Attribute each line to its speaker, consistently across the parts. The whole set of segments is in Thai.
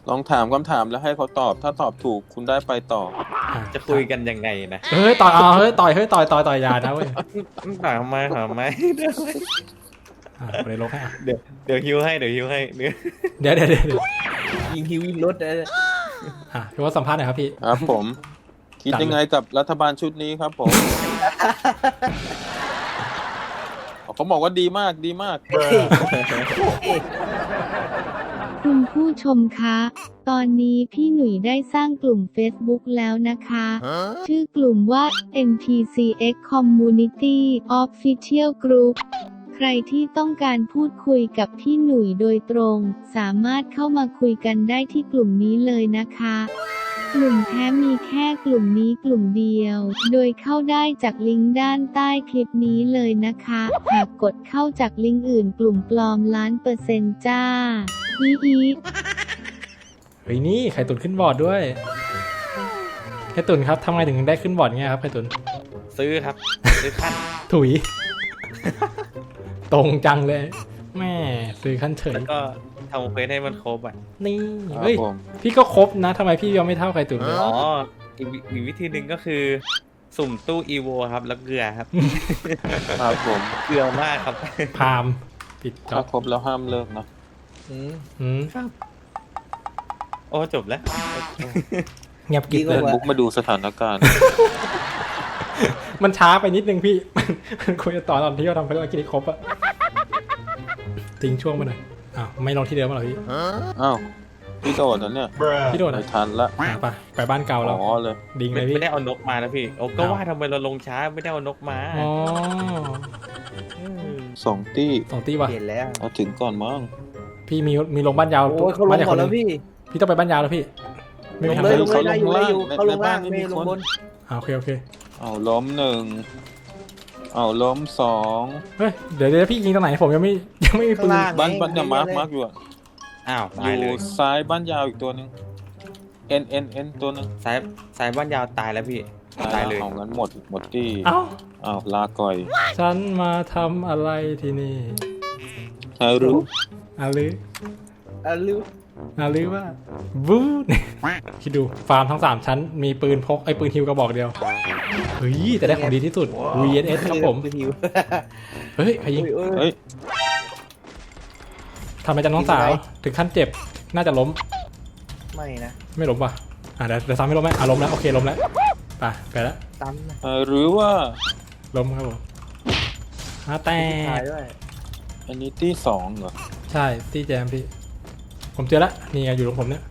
Speaker 1: ลองถามคำถามแล้วให้เขาตอบถ้าตอบถูกคุณได้ไปต่อ
Speaker 2: จะคุยกันยังไงนะ
Speaker 3: เฮ้ยต่อยเอาเฮ้ยต่อยอยานะเว้ย
Speaker 2: ถามไหม
Speaker 3: เลยลงให้อ่ะ
Speaker 2: เดี๋ยวฮิวให้เนื้อ
Speaker 3: เดี๋ยว
Speaker 4: ยิงฮิวยิงรถเลย
Speaker 3: พี่ว่าสัมภาษณ์หน่อยครับพี่
Speaker 1: ครับผม คิดยังไงกับรัฐบาลชุดนี้ครับผม เขาบอกว่าดีมากดีมาก
Speaker 5: คุณผู้ชมคะ ตอนนี้พี่หนุ่ยได้สร้างกลุ่ม Facebook แล้วนะคะ ชื่อกลุ่มว่า NPCX Community Official Group ใครที่ต้องการพูดคุยกับพี่หนุ่ยโดยตรง สามารถเข้ามาคุยกันได้ที่กลุ่มนี้เลยนะคะ กลุ่มแท้มีแค่กลุ่มนี้กลุ่มเดียว โดยเข้าได้จากลิงก์ด้านใต้คลิปนี้เลยนะคะ หากกดเข้าจากลิงก์อื่นกลุ่มปลอม1,000,000%จ้าอี
Speaker 3: เฮ้ยนี่ไข่ตุ๋นขึ้นบอร์ดด้วยไข่ตุ๋นครับทำไงถึงได้ขึ้นบอร์ดเงี้ยครับไข่ตุ๋น
Speaker 2: ซื้อครับซื้อขั้น
Speaker 3: ถุย ตรงจังเลยแม่ซื้อขั้นเฉย
Speaker 2: แล้วก็ทำเควสให้มันครบอ่ะ
Speaker 3: นี่
Speaker 1: ครับ
Speaker 3: เฮ้ย
Speaker 1: ผม
Speaker 3: พี่ก็ครบนะทำไมพี่ยังไม่เท่าไข่ตุ๋นเลย
Speaker 2: อ๋ออีกวิธีหนึ่งก็คือสุ่มตู้อีโวครับแล้วเกลือครับ
Speaker 1: ครับผม
Speaker 2: เกลือมากครับ
Speaker 3: พามปิดจ็
Speaker 1: ถ้า
Speaker 3: อบ
Speaker 1: ครบแล้วห้ามเลิกนะ
Speaker 2: โอ้จบแล้ว
Speaker 3: เงียบกริบเลย
Speaker 1: บุ๊กมาดูสถานการณ์
Speaker 3: มันช้าไปนิดนึงพี่ มันควรจะตอนที่เราทำภารกิจให้ครบอะทิ้งช่วงมาหน่อยอ้าวไม่ลงที่เดิมมาหรอพี่
Speaker 1: อ้าวพี่โดดนะเนี่ย
Speaker 3: พี่โดด
Speaker 1: ไม่
Speaker 3: อะ
Speaker 1: ทันละ
Speaker 3: ไปบ้านเก่าเรา
Speaker 1: อ๋อเลย
Speaker 3: ดิ้งเลยพี่
Speaker 2: ไม่ได้เอานกมานะพี่โอ้ก็ว่าทำไมเราลงช้าไม่ได้เอานกมา
Speaker 3: อ๋อ
Speaker 1: 2 ตี้
Speaker 3: 2 ตีว่ะ
Speaker 4: เห็นแล้ว
Speaker 1: เอาถึงก่อนมั้ง
Speaker 3: พี่มีลงบ้านยาว
Speaker 4: โอ้ยเขาลงหมดแล้วพี่
Speaker 3: พี่ต้องไปบ้านยาวแล้วพี่ไม่
Speaker 4: ล
Speaker 3: มี
Speaker 4: ง
Speaker 3: ทาง
Speaker 4: เลย
Speaker 3: ไป
Speaker 4: ลงเลยได้อยู่ได้อยู่เขาลงล่าง
Speaker 1: ในบ้านไม่
Speaker 4: ไม่
Speaker 1: มี
Speaker 4: ล
Speaker 1: ค
Speaker 4: ง
Speaker 1: น
Speaker 4: บน
Speaker 3: โอเค
Speaker 1: เอาล้ม1เอาล้ม2
Speaker 3: เฮ้ยเดี๋ยวพี่ยิงตรงไหนผมยังไม่มีปืน
Speaker 4: ข้างล่าง
Speaker 1: บ้านเนี่ยมาร์กอยู่อะ
Speaker 2: อ้าว
Speaker 1: อ
Speaker 2: ตายเล
Speaker 1: ยู่
Speaker 2: ย
Speaker 1: ซ้ายบ้านยาวอีกตัวหนึง N ตัวหนึง
Speaker 2: สายบ้านยาวตายแล้วพี่ตายเลย
Speaker 1: เอางั้นหมดที่
Speaker 3: เอ้า
Speaker 1: เอาลาก่อย
Speaker 3: ฉันมาทำอะไรที่นี่
Speaker 1: ใครรู้
Speaker 3: อาลือ
Speaker 4: ลืม
Speaker 3: อาลือว่าบู๊คิดดูฟาร์มทั้ง3ชั้นมีปืนพกไอ้ปืนฮิวกระบอกเดียวเฮ้ยแต่ได้ของดีที่สุด VSS ครับผม
Speaker 4: ฮิว
Speaker 3: เฮ้ยใครยิง
Speaker 1: เฮ้ย
Speaker 3: ทำไมจันน้องสาวถึงขั้นเจ็บน่าจะล้ม
Speaker 4: ไม่นะ
Speaker 3: ไม่ล้มป่ะเดี๋ยวซ้ำไม่ล้มไหมล้มแล้วโอเคล้มแล้วไปแล้ว
Speaker 4: ซ้ำนะ
Speaker 1: หรือว่า
Speaker 3: ล้มครับผมแต่
Speaker 4: ตายด้วย
Speaker 1: อันนี้ที่2เหรอ
Speaker 3: ใช่ตีแจมพี่ผมเจอแล้วนี่ไงอยู่ตรงผมเนี่ย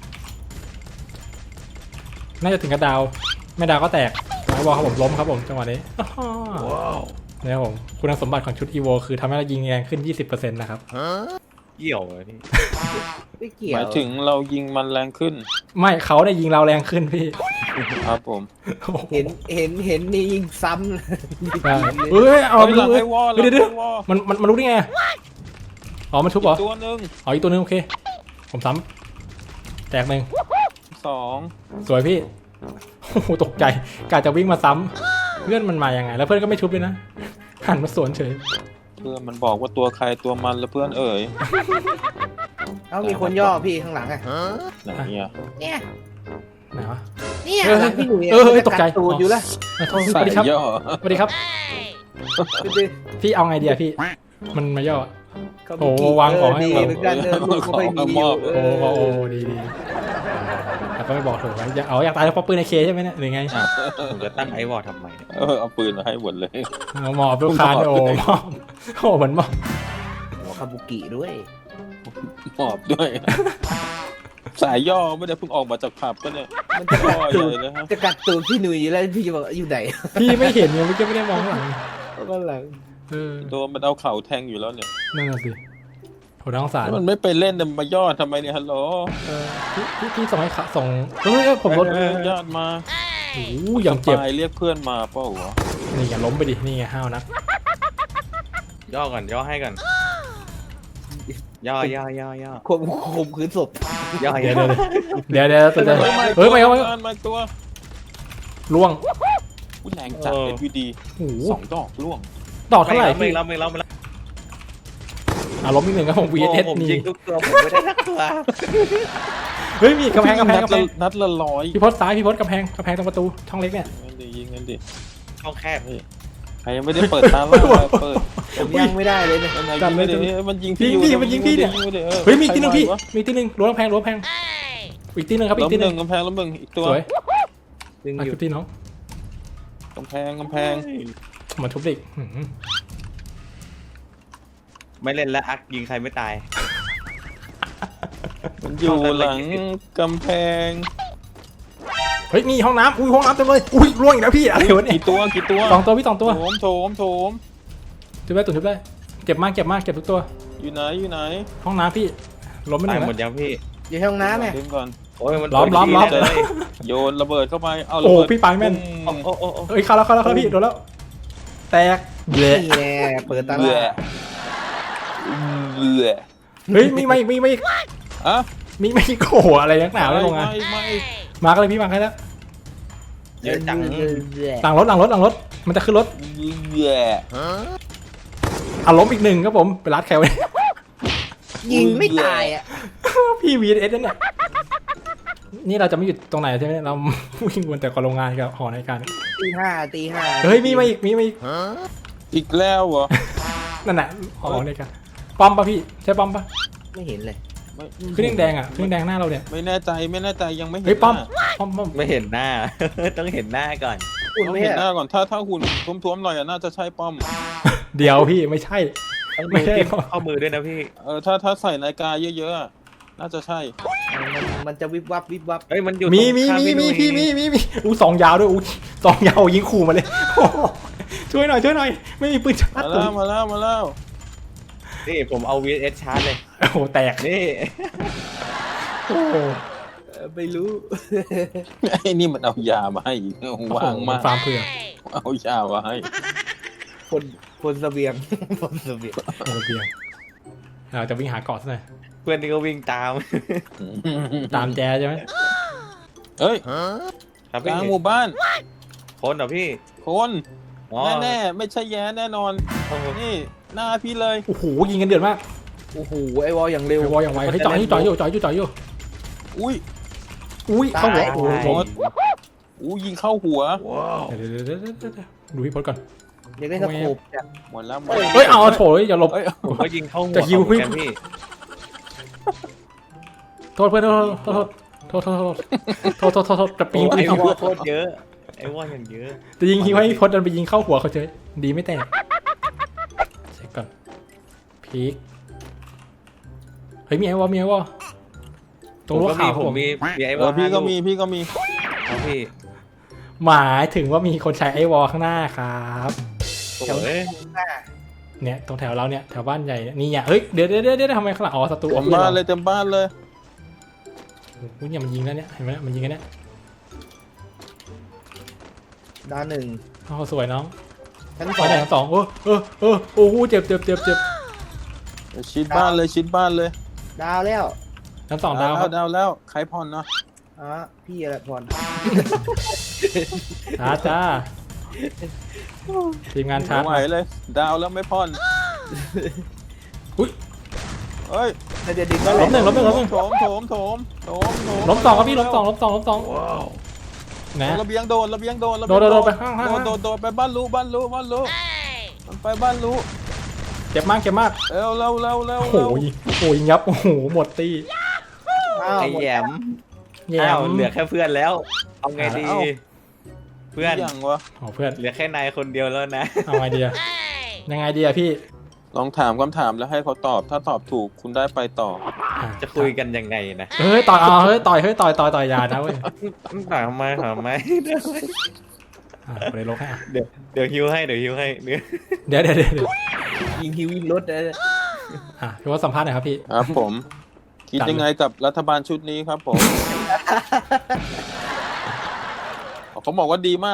Speaker 3: น่าจะถึงกระดาวไม่ดาวก็แตกแล้วบอกครับผมล้มครับผมจังหวะนี้เนี่ยครับผมคุณสมบัติของชุด EVO คือทำให้เรายิงแรงขึ้น 20% นะครับ
Speaker 2: เกี่ยวเลยพี่
Speaker 4: ไม่เกี่ย
Speaker 1: ห
Speaker 4: ว
Speaker 1: มายถึงเรายิงมันแรงขึ้น
Speaker 3: ไม่เขาได้ยิงเราแรงขึ้นพี่
Speaker 1: ครับผม
Speaker 4: เห็นนี่ยิงซ้ำ
Speaker 3: ใช่เฮ้ยเอา
Speaker 1: เฮ้ยหลัง
Speaker 3: เฮ้
Speaker 1: ไอ้
Speaker 3: ยว
Speaker 1: อล
Speaker 3: เดี๋ยว
Speaker 1: หลังไอ้วอล
Speaker 3: มันรู้ได้ไงอ๋อมันชุบเหรอ
Speaker 1: ตัวหนึ่ง
Speaker 3: อ๋ออีกตัวนึงโอเคผมซ้ำแตกหนึ่ง
Speaker 1: 2
Speaker 3: สวยพี่โอ้โหตกใจกะจะวิ่งมาซ้ำเพื่อนมันมายังไงแล้วเพื่อนก็ไม่ชุบเลยนะหันมาสวนเฉย
Speaker 1: เพื่อนมันบอกว่าตัวใครตัวมันแล้วเพื่อนเอ่ย
Speaker 4: เอ้ามีคนย่อพี่ข้างหลังอ่ะ
Speaker 1: ไหนเนี่ย
Speaker 4: เนี่ย
Speaker 3: ไหนวะ
Speaker 4: เนี่ย
Speaker 3: เออ
Speaker 4: หลังพี่หนุ่ย
Speaker 3: เออตกใจ
Speaker 4: ตูดอยู่แล้ว
Speaker 3: สวัส
Speaker 1: สาย
Speaker 3: ดีครับ
Speaker 1: ย่อ
Speaker 3: สวัสดีครับ พี่เอาไงเดียพี่มันมาย่อ โอ้วางของให้
Speaker 4: ดีเหมือนกันลูกก็ไม่มีอยู่
Speaker 3: โอ้ดีแต่ก็ไม่บอกถูกว่าอยากตายเพราะปืนในเคใช่ไหมเนี่ยหรือไง
Speaker 2: ผมจะตั้งไอวอลทำไมเนี่ย
Speaker 1: เอาปืนมาให้หมดเลย
Speaker 3: หมอบลูกค้าโอ้หมอบโอ้เหมือนหมอบ
Speaker 4: หัวคาบุกิด้วย
Speaker 1: หมอบด้วย สายย่อไม่ได้เพิ่งออกมาจากผับก็เนี่ย
Speaker 4: มันจะ
Speaker 1: ย่
Speaker 4: กั
Speaker 1: อ
Speaker 4: ด
Speaker 1: ให
Speaker 4: ตู
Speaker 1: ญ่
Speaker 4: ด
Speaker 1: เลยฮะ
Speaker 4: จะกัดตูดพี่หนุ่ยอยู่แล้วพี่จะบอกอยู่ไหน
Speaker 3: พี่ไม่เห็นไงไม่ได้มองข้างหลัง
Speaker 4: ก็หลัง
Speaker 1: โดนมันเอาเข่าแทงอยู่แล้วเนี่ย
Speaker 3: นั่นน่ะสิโหน่าสงสาร
Speaker 1: แล้วมันไม่ไปเล่นมาย่อทำไมเนี่ยฮัลโหล
Speaker 3: พี่ส่งให้ส่งผมรถ
Speaker 1: ญาติมา
Speaker 3: โอ้ยยังเจ็บ
Speaker 1: ไปเรียกเพื่อนมาเปล่าวะ
Speaker 3: นี่ไงล้มไปดินี่ไงห้าวนัก
Speaker 2: ย่อก่อนย่อให้ก่อนย่อ
Speaker 4: ข่มขืนศพ
Speaker 2: ย่อ
Speaker 3: เดี๋ยวตัวจะ
Speaker 1: เฮ้ย
Speaker 3: ไม่
Speaker 1: มาตัว
Speaker 3: ล่วง
Speaker 1: แรงจัด SVD
Speaker 3: โอ้โห
Speaker 1: 2 ดอกล่วง
Speaker 3: ดอกเท่าไหร่
Speaker 2: ไม่
Speaker 3: พี่
Speaker 2: แล้ว
Speaker 3: ล้มอีกหนึ่งครับผม
Speaker 2: โอ้
Speaker 3: VSS
Speaker 2: ผม
Speaker 3: นี่
Speaker 2: ยิงทุกตัวผมไม่ได้สักตัว
Speaker 3: เฮ้ยมีกำแพง
Speaker 1: นัดละร้อย
Speaker 3: พี่พศซ้ายพี่พศกำแพงตรงประตูช่องเล็กเนี่ย
Speaker 1: งั้นดิยิงงั้นดิ
Speaker 2: ช่องแคบ
Speaker 1: ใครยังไม่ได้เปิดตาล่าเปิด
Speaker 4: ผมยังไม่ได้เลยเนี่ย
Speaker 1: มันยิงไม่ได้มันยิงพี่
Speaker 3: ยิงมันยิงพี่เนี่ย เฮ้ยมีอีกทีหนึงพี่มีอีกทีหนึงรั้วกำแพงอีกทีหนึงครับอี
Speaker 1: ล้
Speaker 3: ก
Speaker 1: ม
Speaker 3: ทีห
Speaker 1: ห
Speaker 3: นึ
Speaker 1: นึ่
Speaker 3: ง
Speaker 1: งกำแพงล้มหนึ่งอีกตัว
Speaker 3: สวย
Speaker 4: ดึง
Speaker 3: อ่ะ
Speaker 4: อยู่
Speaker 3: ชุบที่น้อง
Speaker 1: กำแพง
Speaker 3: มาชุบอีก
Speaker 2: ไม่เล่นแล้วอักยิงใครไม่ตาย
Speaker 1: มันอยู่หลังกำแพง
Speaker 3: เฮ้ยนี่ห้องน้ำอุ้ยห้องน้ำเต็มเลยอุ้ยร่วงอีกแล้วพี่อะไรวะเนี่ย
Speaker 1: กี่ตัว
Speaker 3: สองตัวพี่สองตัว
Speaker 1: โถม
Speaker 3: ชุบได้ตุ่นชุบได้เก็บมากเก็บทุกตัว
Speaker 1: อยู่ไหน
Speaker 3: ห้องน้ำพี่ล้มไปห
Speaker 2: ตาย
Speaker 3: นึ่ง
Speaker 2: หมด
Speaker 3: แล้ว
Speaker 2: ยังพี่
Speaker 4: อยู่ในห้องน้ำเนี่ย
Speaker 1: ดึงก่อน
Speaker 2: โอ้ยมัน
Speaker 3: ล้อม
Speaker 2: เลย
Speaker 1: โยนระเบิดเข้าไปเอาระ
Speaker 3: โอ้
Speaker 1: เบิด
Speaker 3: พี่ปางแม่น
Speaker 2: โอ้โอ้
Speaker 3: เอ้ยเข้าแล้วพี่โดนแล้วแตกเละ
Speaker 4: นี่แน่เปิดตา
Speaker 1: เบื่
Speaker 4: ล่า
Speaker 3: เฮ้ยมีมาอีก
Speaker 1: อะ
Speaker 3: มีโกอะไรนักหนาไม่ลงอ่ะ
Speaker 1: ไม่
Speaker 3: มากันเลยพี่มากันแล้ว
Speaker 2: เยอะจัง
Speaker 3: หลังรถมันจะขึ้นรถ
Speaker 1: เบื่อ
Speaker 3: ล้มอีกหนึ่งครับผมไปรัดแคลไว้
Speaker 4: ยิงไม่ตายอ่ะ
Speaker 3: พี่ VSS นั่นเนี่ยนี่เราจะไม่หยุดตรงไหนใช่ไหมเราวิ่งวนแต่กับโรงงานกับหอในการ
Speaker 4: ตีห้า
Speaker 3: เฮ้ยมีมาอีก
Speaker 1: อีกแล้วเหรอ
Speaker 3: นั่นน่ะหอในการป้อมป่ะพี่ใช่ป้อมป่ะ
Speaker 4: ไม่เห็นเลย
Speaker 3: ขึ้นแดงอ่ะขึ้นแดงหน้าเราเนี่ย
Speaker 1: ไม่แน่ใจยังไม่เห็น
Speaker 3: เฮ้ยป้อม
Speaker 2: ไม่เห็นหน้า ต้องเห็นหน้าก่อน
Speaker 4: อุ่น
Speaker 1: ต้อง
Speaker 4: ไม่
Speaker 1: เห็น
Speaker 4: ใช่
Speaker 1: หน้าก่อนถ้าหุ่นท้วมๆหน่อยน่าจะใช่ป้อม
Speaker 3: เดี๋ยวพี่ไม่ใช่
Speaker 2: ต้อง
Speaker 3: ไม่
Speaker 2: ดู
Speaker 3: ใช่
Speaker 2: ที่ข้อมือด้วยนะพี่
Speaker 1: ถ้าใส่นาฬิกาเยอะๆน่าจะใช่
Speaker 4: มันจะวิบวับ
Speaker 2: เฮ้ยมันอยู่
Speaker 3: มี
Speaker 2: ตรงข้าพี่หนุ่ย
Speaker 3: มีอู้สองยาวด้วยอู้สองยาวยิงขู่มาเลยโอ้โหช่วยหน่อยไม่มีปืนชาร์จ
Speaker 1: มาแล้ว
Speaker 2: นี่ผมเอา VS ชาร์จเลย
Speaker 3: โอ้โหแตก
Speaker 2: นี่
Speaker 3: โอ้โห
Speaker 4: ไม่รู้
Speaker 1: ไอ้นี่มันเอายามาให้อีกว่างมาก
Speaker 3: ฟาร์มเพื่อ
Speaker 1: เอายามาให้
Speaker 4: คนเสบียง คนเสบียง
Speaker 3: โอ้เบียงเราจะวิ่งหาเกาะซะหน่อย
Speaker 2: เพื่อนนี่ก็วิ่งตาม
Speaker 3: ตามแจใช่ไหม
Speaker 1: เฮ้ย
Speaker 2: ครับ
Speaker 1: ก
Speaker 2: พี่
Speaker 1: ลางหมู่บ้าน
Speaker 2: คนเหรอพี่
Speaker 1: คน
Speaker 2: อ๋อ
Speaker 1: แน่ไม่ใช่แย่แน่นอน
Speaker 2: โอ้โห
Speaker 1: นี่หน้าพี่เลย
Speaker 3: โอ้โหยิงกันเดือดมาก
Speaker 4: โอ้โหไอวอลอย่างเร็ว
Speaker 3: ไอ้วอลอย่างไวเฮ้ยจ่อยอยู่
Speaker 1: อุ้ย
Speaker 3: อุ้ยเข้าหัวโอ้โห
Speaker 1: โอ้อู้ยิงเข้าหัว
Speaker 3: เดี๋ยวดูพี่พจน์ก่อน
Speaker 4: อยากได้สโคปจ้ะ
Speaker 1: หมดแล้ว
Speaker 3: เฮ้ยเอาโถยอย่าหลบ
Speaker 1: เอ้ย
Speaker 2: ผมก็ยิงเข้าหัว
Speaker 3: จะฮิว
Speaker 2: เหมือนกันพี่
Speaker 3: โทษเพื่อนโทษจะปีน
Speaker 2: ไอ้
Speaker 3: ยิง
Speaker 2: วอลโคตรเยอะไอ้วอลอย่างเยอะ
Speaker 3: จะยิงให้พี่พจน์ดันไปยิงเข้าหัวเขาเฉยดีไม่แตกเช็คก่อนพีคเฮ้ยมีไอ้วอตรงรั้วขาว
Speaker 2: ผมมีไอ้วอล
Speaker 1: พี่ก็มี
Speaker 2: ครับพี่
Speaker 3: หมายถึงว่ามีคนใช้ไอ้วอข้างหน้าครับ
Speaker 2: โอ้ย
Speaker 3: เนี่ยตรงแถวเราเนี่ยแถวบ้านใหญ่นี่อ่ะเฮ้ยเดี๋ยวทำไมข้างหลังอ๋อศัตรู
Speaker 1: เต็มบ้านเลยเต็มบ้านเลย
Speaker 3: อุ้ยเนี่ยมันยิงแล้วเนี่ยเห็นไหมมันยิงกันเนี่ย
Speaker 4: ด้านหนึ่ง
Speaker 3: โอ้สวยน้อง
Speaker 4: ชั้น
Speaker 3: ไป
Speaker 4: สอง
Speaker 3: ไหนสองโอ้โหเจ็บ
Speaker 1: ชิดบ้านเลย
Speaker 4: ดาวแล้ว
Speaker 3: ชั้นสองดาวครับ
Speaker 1: ดาวแล้วใครผ่อนเนาะ
Speaker 4: อ๋อพี่อะไรพร
Speaker 3: จ้าทีมงานชา
Speaker 1: ไม่
Speaker 3: ร์จ
Speaker 1: ไหวเลย ดาวแล้วไม่ผ่อน
Speaker 3: อุ้ย
Speaker 1: เฮ้ย
Speaker 4: ถ้าจะดึงก็
Speaker 3: ล้มหนึ่ง
Speaker 1: โถม
Speaker 3: ล้มสองครับพี่ล้มสองนะ
Speaker 1: ระเบียงโดน
Speaker 3: โดนไปข้าง
Speaker 1: โดนไปบ้านรู้มันไปบ้านรู้
Speaker 3: เจ็บมาก
Speaker 1: เร็ว
Speaker 3: โอ้โหยิงยับโอ้โหหมดตี
Speaker 2: ไอ้แหยม
Speaker 3: แย่
Speaker 2: อ้าวเหลือแค่เพื่อนแล้ว เอาไงดี เพื่อน
Speaker 1: อย่างวะ
Speaker 3: โอ้เพื่อน
Speaker 2: เหลือแค่นายคนเดียวแล้วนะ
Speaker 3: เอาไงดีอะยังไงดีอะพี่
Speaker 1: ลองถามคำถามแล้วให้เขาตอบถ้าตอบถูกคุณได้ไปต่อ
Speaker 2: จะคุยกันยังไงนะ
Speaker 3: เฮ้ยต่อยยานะเว้ย
Speaker 2: ถามไหม
Speaker 3: เลยลงให้
Speaker 2: เดี๋ยวฮิวให้เดี๋ยว
Speaker 3: เดี๋ยว
Speaker 4: ยิงฮิวยิงรถเลย
Speaker 3: พี่ว่าสัมภาษณ์หน่อยครับพี่
Speaker 1: ครับผม คิดยังไงกับรัฐบาลชุดนี้ครับผม เขาบอกว่าดีมาก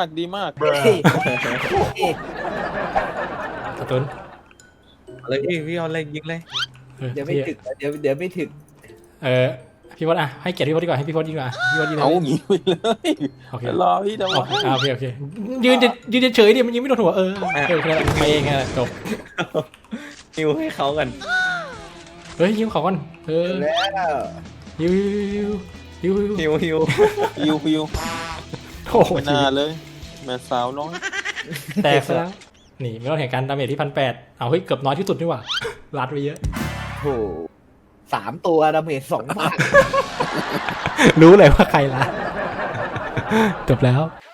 Speaker 3: กระตุ้น
Speaker 2: เลยพี่เอาอะไรยิงเลย
Speaker 4: เดี๋ยวไม่ถึกเดี๋ยวไม่ถึก
Speaker 3: พี่พจน์ให้เกียรติพี่พจน์ดีกว่าให้พี่พจน์ยิงดีกว่าพี่พจน์ยิง
Speaker 1: เอางี้ไปเลย
Speaker 3: โอเค
Speaker 1: รอพี่เดี๋ยว
Speaker 3: โอเคยืนเฉยดิมันยิงไม่โดนหัวไปเองแค่นั้นจบ
Speaker 2: ฮิวให้เขากัน
Speaker 3: เฮ้ยยิงเขาก่อน
Speaker 4: แล้ว
Speaker 3: ยิวยิวยิวยิว
Speaker 2: ฮิว
Speaker 1: ฮิว
Speaker 3: โอ้โห
Speaker 1: ไม่น่าเลย แม่สาวน้อย
Speaker 3: แตกซะแล้วนี่ไม่ต้องแห่งการดาเมจที่1,800เอาเฮ้ยเกือบน้อยที่สุดนี่หว่าลัดไปเยอะ
Speaker 4: โห3 ตัวดาเมจ2,000
Speaker 3: รู้เลยว่าใครละจบแล้ว